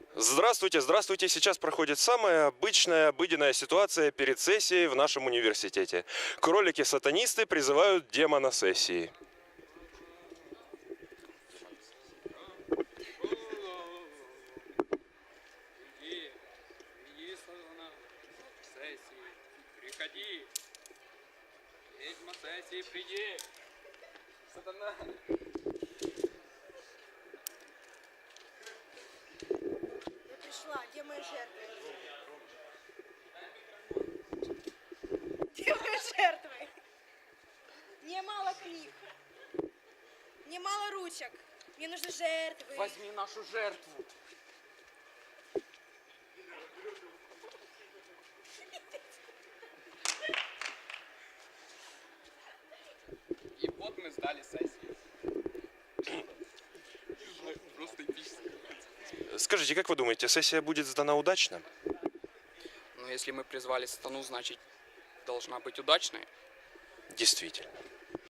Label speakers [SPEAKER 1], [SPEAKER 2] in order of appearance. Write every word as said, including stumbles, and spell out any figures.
[SPEAKER 1] Здравствуйте, здравствуйте. Сейчас проходит самая обычная, обыденная ситуация перед сессией в нашем университете. Кролики-сатанисты призывают демона сессии.
[SPEAKER 2] Иди, иди, сатана, сессии, приходи. Ведьма сессии, приди. Сатана.
[SPEAKER 3] Я пришла, где мои жертвы? Где мои жертвы? Мне мало книг. Мне мало ручек. Мне нужны жертвы.
[SPEAKER 2] Возьми нашу жертву. И вот мы сдали сессию. Просто эпически.
[SPEAKER 1] Скажите, как вы думаете, сессия будет сдана удачно?
[SPEAKER 2] Но если мы призвали сатану, значит, должна быть удачной.
[SPEAKER 1] Действительно.